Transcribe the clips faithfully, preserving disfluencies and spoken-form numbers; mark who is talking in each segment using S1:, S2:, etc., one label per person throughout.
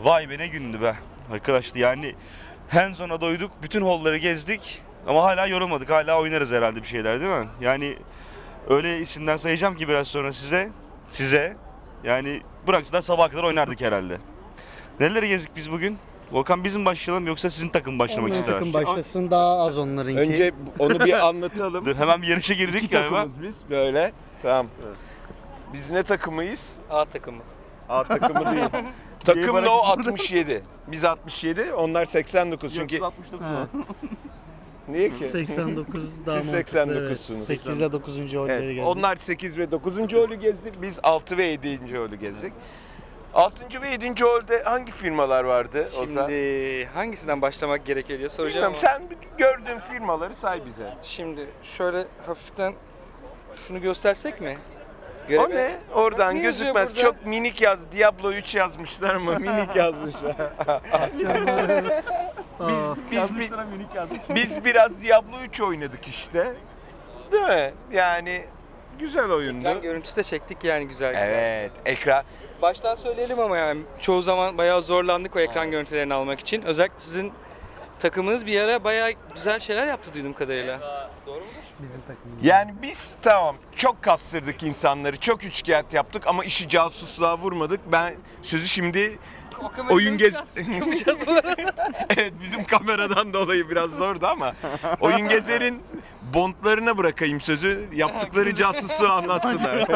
S1: Vay be ne gündü be arkadaşlar, yani hands-on'a doyduk, bütün holları gezdik ama hala yorulmadık, hala oynarız herhalde bir şeyler, değil mi? Yani öyle isimler sayacağım ki biraz sonra size, size yani bıraksalar sabaha kadar oynardık herhalde. Neleri gezdik biz bugün? Volkan bizim başlayalım yoksa sizin takım başlamak
S2: Onların
S1: ister?
S2: takım başlasın, daha az onlarınki.
S3: Önce onu bir anlatalım.
S1: Dur, hemen bir yarışa girdik
S3: İki
S1: galiba.
S3: takımız biz böyle. Tamam. Biz ne takımıyız?
S4: A takımı.
S3: A takımı değil. Takım no altmış yedi. Biz altmış yedi, onlar seksen dokuz çünkü.
S1: altmış dokuz.
S2: Ha.
S3: Niye ki?
S2: seksen dokuz daha
S3: Siz
S2: mantıklı,
S3: seksen dokuzsunuz.
S2: Evet. sekiz ile dokuzuncu holleri
S3: Evet,
S2: gezdik.
S3: onlar sekiz ve dokuzuncu holü gezdi. Biz altı ve yedinci holü gezdik. altıncı ve yedinci holde hangi firmalar vardı?
S4: Şimdi hangisinden başlamak gerekiyor diye soracağım
S3: Bilmiyorum,
S4: ama.
S3: sen gördüğün firmaları say bize.
S4: Şimdi şöyle hafiften şunu göstersek mi?
S3: O
S4: Göreve-
S3: ne? Oradan
S4: Ne yazıyor
S3: gözükmez.
S4: burada?
S3: Çok minik yazdı. Diablo üç yazmışlar ama minik yazmışlar.
S2: Canları- Aa,
S3: biz, biz, biz biraz Diablo üç oynadık işte. Değil mi? Yani güzel oyundu.
S4: Ekran görüntüsü de çektik yani güzel güzel.
S3: Evet, ekran.
S4: Baştan söyleyelim ama yani çoğu zaman bayağı zorlandık o ekran görüntülerini almak için. Özellikle sizin takımınız bir ara bayağı güzel şeyler yaptı duyduğum kadarıyla. Doğru mu?
S2: bizim takımımız.
S3: Yani biz tamam çok kastırdık insanları, çok üçkağıt yaptık ama işi casusluğa vurmadık. Ben sözü şimdi oyun gez...
S4: Yapacağız bu arada.
S3: Evet, bizim kameradan dolayı biraz zordu ama oyun gezerin bondlarına bırakayım sözü, yaptıkları casusluğu anlatsınlar.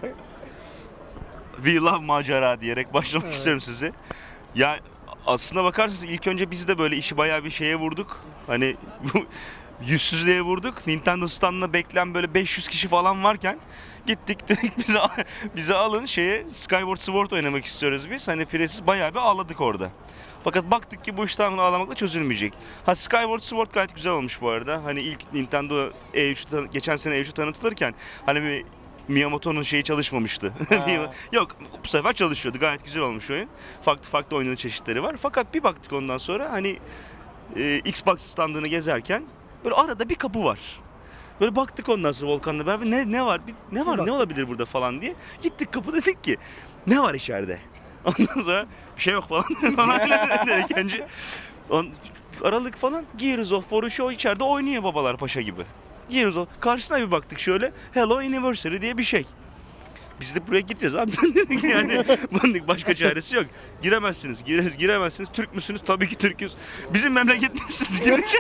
S1: We love macera diyerek başlamak
S2: Evet.
S1: istiyorum sizi. Ya aslına bakarsanız ilk önce biz de böyle işi bayağı bir şeye vurduk. Hani bu yüzsüzlüğe vurduk. Nintendo standına bekleyen böyle beş yüz kişi falan varken gittik dedik bize, bize alın şeye Skyward Sword oynamak istiyoruz biz. Hani piresiz bayağı bir ağladık orada. Fakat baktık ki bu iş tamamen ağlamakla çözülmeyecek. Ha, Skyward Sword gayet güzel olmuş bu arada. Hani ilk Nintendo E üç geçen sene E üç'ü tanıtılırken hani bir Miyamoto'nun şeyi çalışmamıştı. Yok, bu sefer çalışıyordu. Gayet güzel olmuş oyun. Farklı farklı oyunun çeşitleri var. Fakat bir baktık ondan sonra hani e, Xbox standını gezerken böyle arada bir kapı var. Böyle baktık ondan sonra Volkan'la beraber ne ne var? Bir, ne var? Ne olabilir burada falan diye. Gittik kapı dedik ki ne var içeride? Ondan sonra bir şey yok falan. dedik önce. On, aralık falan Gears of War üçü o içeride oynuyor babalar paşa gibi. Gears of karşısına bir baktık şöyle Hello Anniversary diye bir şey. Biz de buraya gireceğiz abi dedik yani. Bunun başka çaresi yok. Giremezsiniz, gireriz, giremezsiniz. Türk müsünüz? Tabii ki Türk'üz. Bizim memleket misiniz? Girin.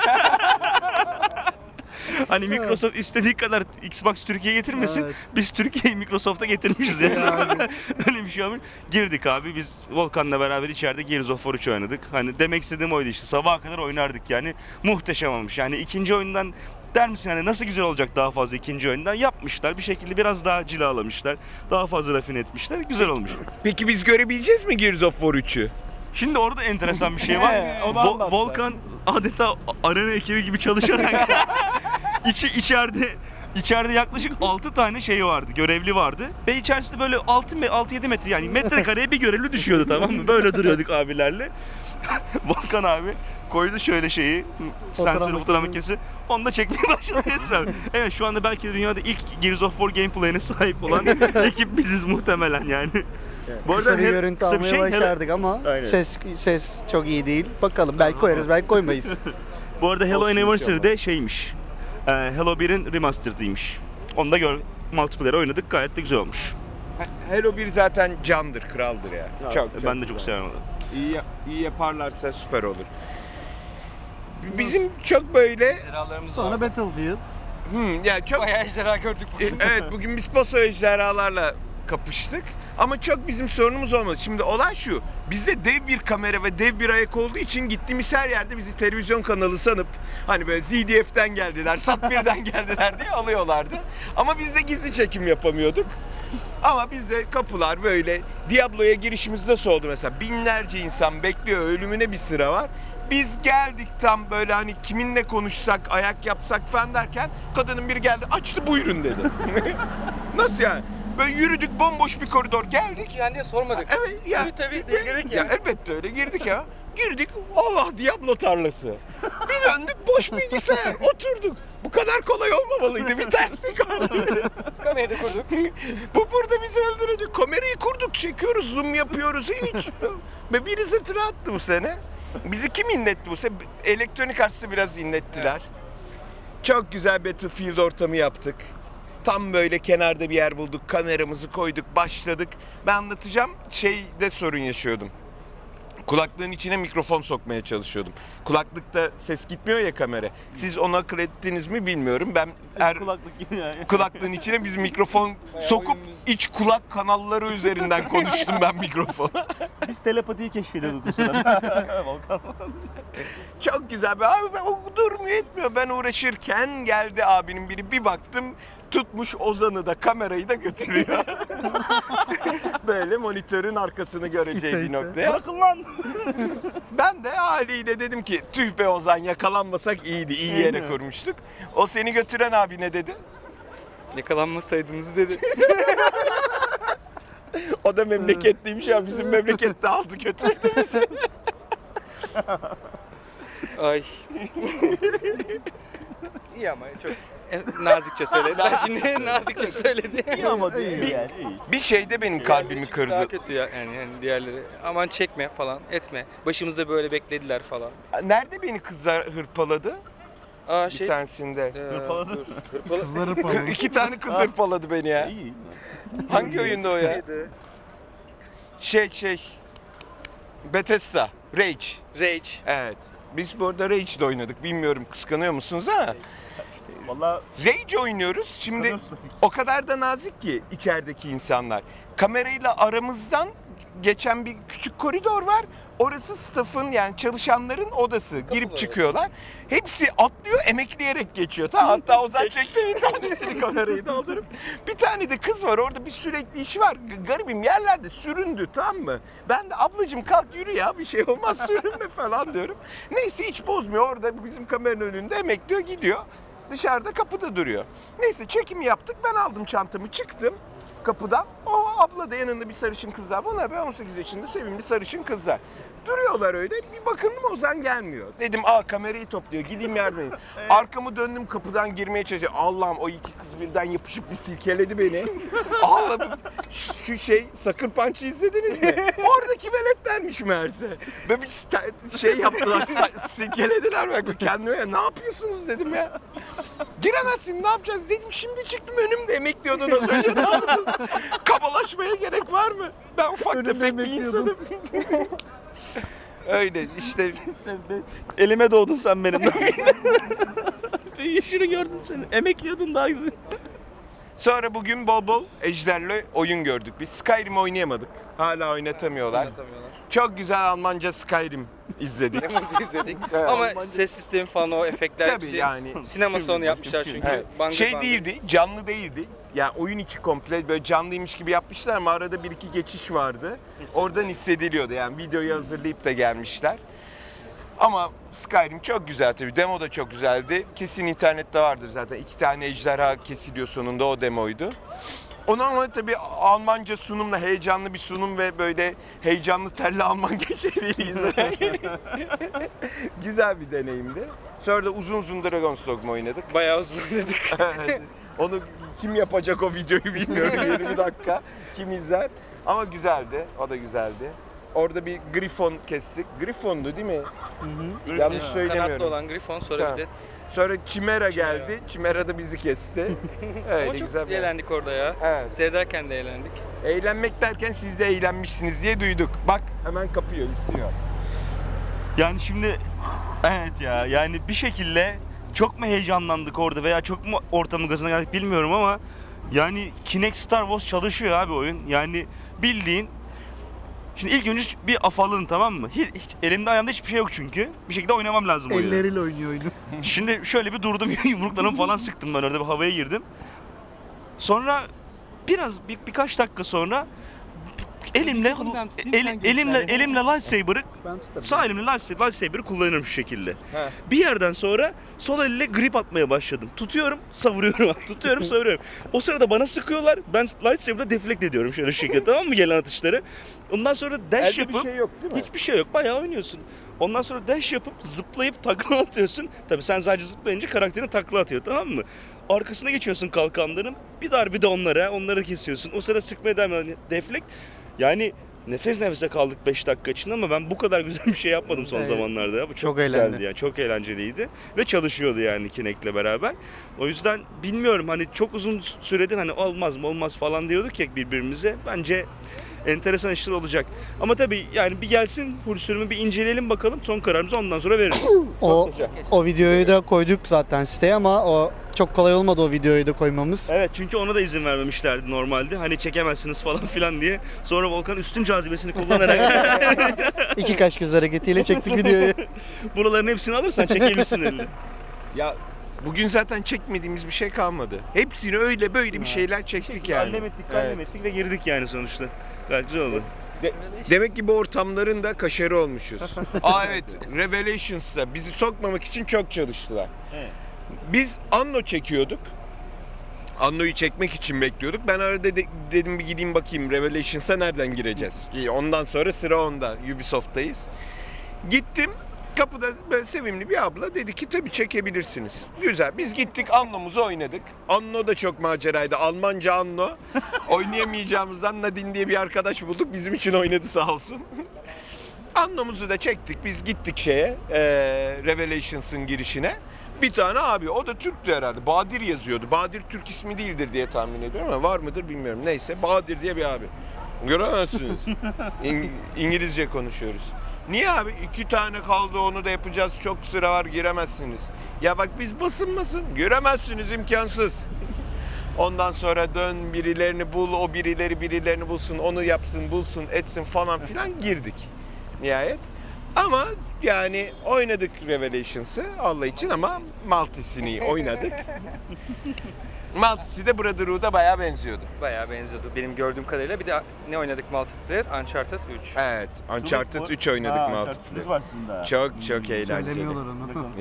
S1: Hani Microsoft istediği kadar Xbox Türkiye'ye getirmesin.
S2: Evet.
S1: Biz Türkiye'yi Microsoft'a getirmişiz yani.
S2: Yani.
S1: Öyle bir şey olmuş. Girdik abi biz Volkan'la beraber içeride Gears of War üç oynadık. Hani demek istediğim oydu işte. Sabaha kadar oynardık yani. Muhteşem olmuş. Yani ikinci oyundan der misin hani nasıl güzel olacak daha fazla ikinci oyundan? Yapmışlar. Bir şekilde biraz daha cilalamışlar. Daha fazla rafine etmişler. Güzel olmuş.
S3: Peki biz görebileceğiz mi Gears of War üçü?
S1: Şimdi orada enteresan bir şey var.
S3: He, onu
S1: Vo-
S3: anlat
S1: Volkan adeta arena ekibi gibi çalışarak içi içeride içeride yaklaşık altı tane şey vardı, görevli vardı ve içerisinde böyle altı yedi metre yani metrekareye bir görevli düşüyordu, tamam mı? Böyle duruyorduk abilerle. Volkan abi koydu şöyle şeyi, sensör fotoğraf makinesi, onu da çekmeye başladı etrafı. Evet, şu anda belki de dünyada ilk Gears of War gameplay'ine sahip olan ekip biziz muhtemelen yani.
S2: Bu kısa bir
S1: her-
S2: görüntü
S1: kısa bir
S2: almayı
S1: şey, hele-
S2: başardık ama
S1: Aynen.
S2: ses ses çok iyi değil. Bakalım, belki koyarız, belki koymayız.
S1: Bu arada Hello
S3: Olsun
S1: Anniversary'de şeymiş, e, Hello bir'in remastered'ıymış. Onu da gör, multiplayer oynadık, gayet de güzel olmuş.
S3: Halo bir zaten candır, kraldır ya. Çok, çok
S1: Ben de çok
S3: güzel.
S1: seviyorum onu.
S3: İyi, yap- iyi yaparlarsa süper olur. Bizim çok böyle,
S4: Ejderhalarımız
S2: Sonra
S4: var.
S2: Battlefield.
S3: hmm, yani çok
S4: Bayağı ejderha gördük
S3: E,
S4: bugün.
S3: evet, bugün biz paso ejderhalarla kapıştık ama çok bizim sorunumuz olmadı. Şimdi olay şu, bizde dev bir kamera ve dev bir ayak olduğu için gittiğimiz her yerde bizi televizyon kanalı sanıp hani böyle Z D F'den geldiler, Sat birden geldiler diye alıyorlardı. Ama biz de gizli çekim yapamıyorduk. Ama bizde kapılar böyle, Diablo'ya girişimiz nasıl oldu mesela? Binlerce insan bekliyor, ölümüne bir sıra var. Biz geldik tam böyle hani kiminle konuşsak, ayak yapsak falan derken kadının biri geldi, açtı, buyurun dedi. Nasıl yani? Böyle yürüdük, bomboş bir koridor geldik.
S4: Yani diye sormadık.
S3: Evet ya.
S4: Tabii tabii diye girdik ya.
S3: Ya elbette öyle girdik ya. Girdik, Allah Diablo tarlası. Bir döndük, boş bilgisayar, oturduk. Bu kadar kolay olmamalıydı, bir terslik var.
S4: Kamerayı da kurduk.
S3: Bu burada bizi öldürecek. Kamerayı kurduk, çekiyoruz, zoom yapıyoruz hiç. Ve biri sırtına attı bu sene. Bizi kim inletti bu sene? Elektronik Arts'ı biraz inlettiler. Çok güzel Battlefield ortamı yaptık. Tam böyle kenarda bir yer bulduk, kameramızı koyduk, başladık. Ben anlatacağım, şeyde sorun yaşıyordum. Kulaklığın içine mikrofon sokmaya çalışıyordum. Kulaklıkta ses gitmiyor ya kamera. Siz onu akıl ettiniz mi bilmiyorum. Ben er,
S1: Kulaklık gibi yani.
S3: kulaklığın içine biz mikrofon sokup iç kulak kanalları üzerinden konuştum ben mikrofona.
S1: Biz telepatiyi keşfediyorduk o sırada. Volkan.
S3: Çok güzel. Abi ben, o durmuyor etmiyor. Ben uğraşırken geldi abinin biri, bir baktım tutmuş Ozan'ı da kamerayı da götürüyor. Böyle monitörün arkasını göreceği bir noktaya.
S1: Bırakın lan.
S3: Ben de haliyle dedim ki tüh be Ozan, yakalanmasak iyiydi. İyi yere kurmuştuk. O seni götüren abi ne dedi?
S4: Yakalanmasaydınız dedi.
S3: O da memleketliymiş ya, bizim memlekette aldı götürdü bizi.
S4: Ay. İyi ama çok e, nazikçe söylediler. Şimdi nazikçe söyledi.
S1: İyi ama değil yani. iyi.
S3: Bir şey de benim kalbimi kırdı.
S4: Daha kötü ya yani, yani diğerleri. Aman çekme falan, etme. Başımızda böyle beklediler falan.
S3: Nerede beni kızlar hırpaladı?
S4: Aa
S3: Bir
S4: şey.
S3: tanesinde.
S4: Ee,
S1: Hırpaladı.
S4: dur, hırpaladı.
S2: Kızları
S3: Kı-
S2: falan.
S3: İki tane kız hırpaladı beni ya.
S1: İyi.
S3: Hangi oyunda o ya?
S4: Neydi?
S3: Şey şey. Bethesda. Rage.
S4: Rage.
S3: Evet. Biz bu arada Rage'de oynadık. Bilmiyorum kıskanıyor musunuz ha?
S1: Valla
S3: Rage oynuyoruz. Şimdi o kadar da nazik ki içerideki insanlar. Kamerayla aramızdan geçen bir küçük koridor var. Orası staff'ın, yani çalışanların odası. Girip
S4: odası.
S3: çıkıyorlar. Hepsi atlıyor, emekleyerek geçiyor. Tamam, hatta Ozan çekti bir tanesini kamerayı doldurup. Bir tane de kız var orada, bir sürekli işi var. G- Garibim yerlerde süründü, tamam mı? Ben de ablacığım kalk yürü ya, bir şey olmaz sürünme falan diyorum. Neyse hiç bozmuyor, orada bizim kameranın önünde emekliyor, gidiyor. Dışarıda kapıda duruyor. Neyse çekimi yaptık, ben aldım çantamı çıktım kapıdan. O abla da yanında bir sarışın kızlar. Bunlar be on sekiz yaşında sevimli sarışın kızlar. Duruyorlar öyle. Bir bakındım Ozan gelmiyor. Dedim aa kamerayı topluyor. Gideyim yardım edeyim. Arkamı döndüm, kapıdan girmeye çalışıyorum. Allah'ım, o iki kız birden yapışıp bir silkeledi beni. Ağladım. Şu şey Sucker Punch'ı izlediniz mi? Oradaki veletlermiş meğerse. Böyle bir sta- şey yaptılar. sa- silkelediler bak. Kendime ya, ne yapıyorsunuz dedim ya. Giremezsin, ne yapacağız dedim. Şimdi çıktım, önümde emekliyordun az önce. Ne yaptın? Kabalaşmaya gerek var mı? Ben ufak
S2: Önümde
S3: tefek bir
S2: emekliyordun.
S3: insanım. Öyle işte.
S1: sen de elime doğdun sen benim. Yaşını gördüm seni. Emekliyordun daha güzel.
S3: Sonra bugün bol bol Ejder'le oyun gördük. Biz Skyrim oynayamadık. Hala oynatamıyorlar.
S4: Anlatamıyorlar.
S3: Çok güzel Almanca Skyrim izledik.
S4: Hepimiz izledik.
S3: Evet.
S4: Ama ses sistemi falan, o efektler
S3: Tabii
S4: hepsi
S3: yani.
S4: sinema salonu yapmışlar çünkü.
S3: Evet.
S4: Bangır
S3: Şey
S4: bangır.
S3: değildi, canlı değildi. Yani oyun içi komple böyle canlıymış gibi yapmışlar ama arada bir iki geçiş vardı. Oradan hissediliyordu, yani videoyu hazırlayıp da gelmişler. Ama Skyrim çok güzel tabii. Demo da çok güzeldi. Kesin internette vardır zaten. İki tane ejderha kesiliyor sonunda, o demoydu. Onu ama tabii Almanca sunumla, heyecanlı bir sunum ve böyle heyecanlı telli Alman geçeriyle izlemek. Güzel bir deneyimdi. Sonra da uzun uzun Dragon's Dogma oynadık.
S4: Bayağı uzun dedik.
S3: Evet. Onu kim yapacak o videoyu bilmiyorum, yirmi dakika. Kim izler? Ama güzeldi, o da güzeldi. Orada bir Griffon kestik. Griffon'du değil mi?
S2: Hı hı.
S3: Yanlış
S4: Ha,
S3: söylemiyorum.
S4: Kanatlı olan Griffon, sonra
S3: Tamam.
S4: bir de
S3: Sonra Chimera geldi. Chimera da bizi kesti. Öyle
S4: ama çok
S3: güzel bir-
S4: eğlendik orada ya.
S3: Evet.
S4: Seyrederken de eğlendik.
S3: Eğlenmek derken siz de eğlenmişsiniz diye duyduk. Bak hemen kapıyor, istiyor.
S1: Yani şimdi evet ya, yani bir şekilde çok mu heyecanlandık orada veya çok mu ortamın gazına geldik bilmiyorum ama yani Kinect Star Wars çalışıyor abi oyun. Yani bildiğin, şimdi ilk önce bir afalın, tamam mı? Hiç, hiç, elimde ayağımda hiçbir şey yok çünkü. Bir şekilde oynamam lazım oyunu.
S2: Elleriyle oynuyor oyunu.
S1: Şimdi şöyle bir durdum, yumruklarımı falan sıktım, ben orada bir havaya girdim. Sonra biraz bir, birkaç dakika sonra elimle
S4: Yakından tutayım, sen
S1: el,
S4: göster
S1: elimle
S4: yani.
S1: elimle lightsaber'ı
S2: Ben tutarım.
S1: sağ elimle lightsaber, lightsaber'ı kullanırım şu şekilde.
S3: He.
S1: Bir yerden sonra sol elle grip atmaya başladım. Tutuyorum, savuruyorum. Tutuyorum, savuruyorum. O sırada bana sıkıyorlar. Ben lightsaber'la deflect ediyorum şöyle şu şekilde, tamam mı, gelen atışları. Ondan sonra dash
S3: Elde
S1: yapıp
S3: bir şey yok değil mi?
S1: hiçbir şey yok. Bayağı oynuyorsun. Ondan sonra dash yapıp zıplayıp takla atıyorsun. Tabii sen sadece zıplayınca karakterin takla atıyor, tamam mı? Arkasına geçiyorsun kalkanların. Bir darbe de onlara, onları kesiyorsun. O sırada sıkmaya devam ediyorsun. Deflect. Yani nefes nefese kaldık beş dakika için ama ben bu kadar güzel bir şey yapmadım son
S2: Evet.
S1: zamanlarda. Ya. Bu çok,
S2: Çok
S1: güzeldi
S2: eğlendi.
S1: yani. Çok eğlenceliydi ve çalışıyordu yani Kinect'le beraber. O yüzden bilmiyorum hani çok uzun süredir hani olmaz mı olmaz falan diyorduk ya birbirimize. Bence enteresan işler olacak. Ama tabii yani bir gelsin full sürümü bir inceleyelim bakalım. Son kararımızı ondan sonra veririz.
S2: O o videoyu da koyduk zaten siteye ama o çok kolay olmadı o videoyu da koymamız.
S1: Evet çünkü ona da izin vermemişlerdi normalde. Hani çekemezsiniz falan filan diye. Sonra Volkan üstün cazibesini kullanarak
S2: İki kaş göz hareketiyle çektik videoyu.
S1: buraların hepsini alırsan çekebilirsin elini.
S3: Ya bugün zaten çekmediğimiz bir şey kalmadı. Hepsini öyle böyle bir şeyler çektik yani.
S1: Kallem ettik, kallem
S3: Evet.
S1: ettik ve girdik yani sonuçta. Gayet güzel oldu.
S3: De- demek ki bu ortamların da kaşarı olmuşuz. Aa evet, Revelations'ta bizi sokmamak için çok çalıştılar.
S1: Evet.
S3: Biz Anno çekiyorduk. Anno'yu çekmek için bekliyorduk. Ben arada de- dedim bir gideyim bakayım Revelations'a nereden gireceğiz? Ki Ondan sonra sıra onda. Ubisoft'tayız. Gittim. Kapıda böyle sevimli bir abla dedi ki tabii çekebilirsiniz. Güzel. Biz gittik Anno'muzu oynadık. Anno da çok maceraydı. Almanca Anno. Oynayamayacağımızdan Nadine diye bir arkadaş bulduk. Bizim için oynadı sağ olsun. Anno'muzu da çektik. Biz gittik şeye, e, Revelations'ın girişine. Bir tane abi, o da Türktü herhalde. Badir yazıyordu. Badir Türk ismi değildir diye tahmin ediyorum ama var mıdır bilmiyorum. Neyse, Badir diye bir abi. Göremezsiniz. İng- İngilizce konuşuyoruz. Niye abi? İki tane kaldı, onu da yapacağız. Çok sıra var, giremezsiniz. Ya bak biz basın basın. Giremezsiniz, imkansız. Ondan sonra dön birilerini bul, o birileri birilerini bulsun, onu yapsın, bulsun, etsin falan filan girdik. Nihayet. Ama yani oynadık Revelations'ı Allah için ama Maltesini oynadık. Maltesi de Brotherhood'a bayağı benziyordu.
S4: Bayağı benziyordu benim gördüğüm kadarıyla. Bir de ne oynadık multiplayer? Uncharted üç.
S3: Evet, Uncharted üç oynadık multiplayer.
S1: var sizin daha.
S3: Çok çok eğlenceli.
S2: Söylemiyorlar onu.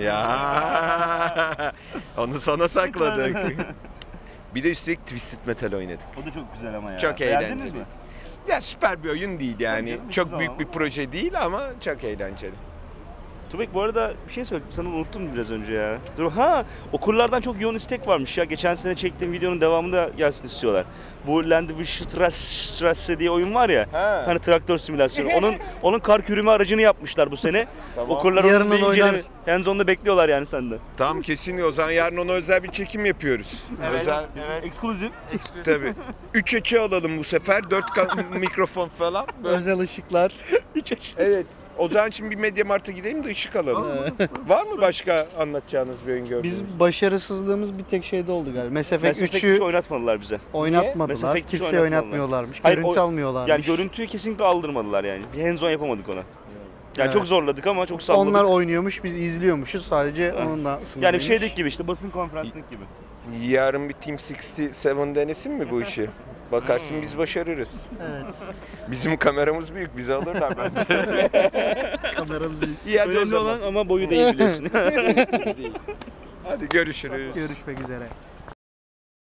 S3: Ya onu sona sakladık. Bir de üstelik Twisted Metal oynadık.
S1: O da çok güzel ama ya.
S3: Çok
S1: Beğendiniz
S3: eğlenceli.
S1: mi?
S3: Ya süper bir oyun değil yani.
S1: Tabii canım,
S3: Çok
S1: güzel
S3: büyük
S1: ama.
S3: bir proje değil ama çok eğlenceli.
S1: Tubek bu arada bir şey söyledim sana unuttum biraz önce ya. Dur ha okurlardan çok yoğun istek varmış ya. Geçen sene çektiğim videonun devamında gelsin istiyorlar. Bu Landwehrstraße diye oyun var ya.
S3: Ha.
S1: Hani traktör simülasyonu. Onun onun kar kürüme aracını yapmışlar bu sene.
S3: Tamam.
S1: Okurlar
S2: Yarın
S1: onu bir
S2: onu oynar.
S1: inceleme. Hands-on'da bekliyorlar yani senden.
S3: Tamam kesin o zaman yarın ona özel bir çekim yapıyoruz. Özel
S1: Ekskluzif.
S3: tabii. Üç açı alalım bu sefer. Dört ka- mikrofon falan. Böyle.
S2: Özel ışıklar.
S3: Evet. O zaman şimdi bir Mediamarkt'a gidelim de ışık alalım. Var mı başka anlatacağınız bir oyun gördünüz?
S2: Biz başarısızlığımız bir tek şeyde oldu galiba. Mass Effect
S1: Mass Effect
S2: üçü
S1: üç oynatmadılar bize.
S3: Mass
S2: oynatmadılar.
S1: Effect üçü
S2: Kimseye
S1: oynatmadılar.
S2: oynatmıyorlarmış.
S1: Hayır,
S2: Görüntü
S1: o-
S2: almıyorlarmış.
S1: Yani görüntüyü kesinlikle aldırmadılar yani. Bir hands-on yapamadık ona. Yani
S2: Evet.
S1: çok zorladık ama çok salladık.
S2: Onlar oynuyormuş, biz izliyormuşuz. Sadece
S1: Ha.
S2: onunla
S1: yani
S2: sınırlıymış.
S1: bir şeydeki gibi işte basın konferansındaki gibi.
S3: Yarın bir Team altmışyedi denesin mi bu işi? Bakarsın biz başarırız.
S2: Evet.
S3: Bizim kameramız büyük, bizi alırlar bence.
S2: Kameramız büyük.
S3: İyi hadi o
S1: Önemli
S3: zaman.
S1: olan ama boyu değil biliyorsun.
S3: Hadi görüşürüz.
S2: Görüşmek üzere.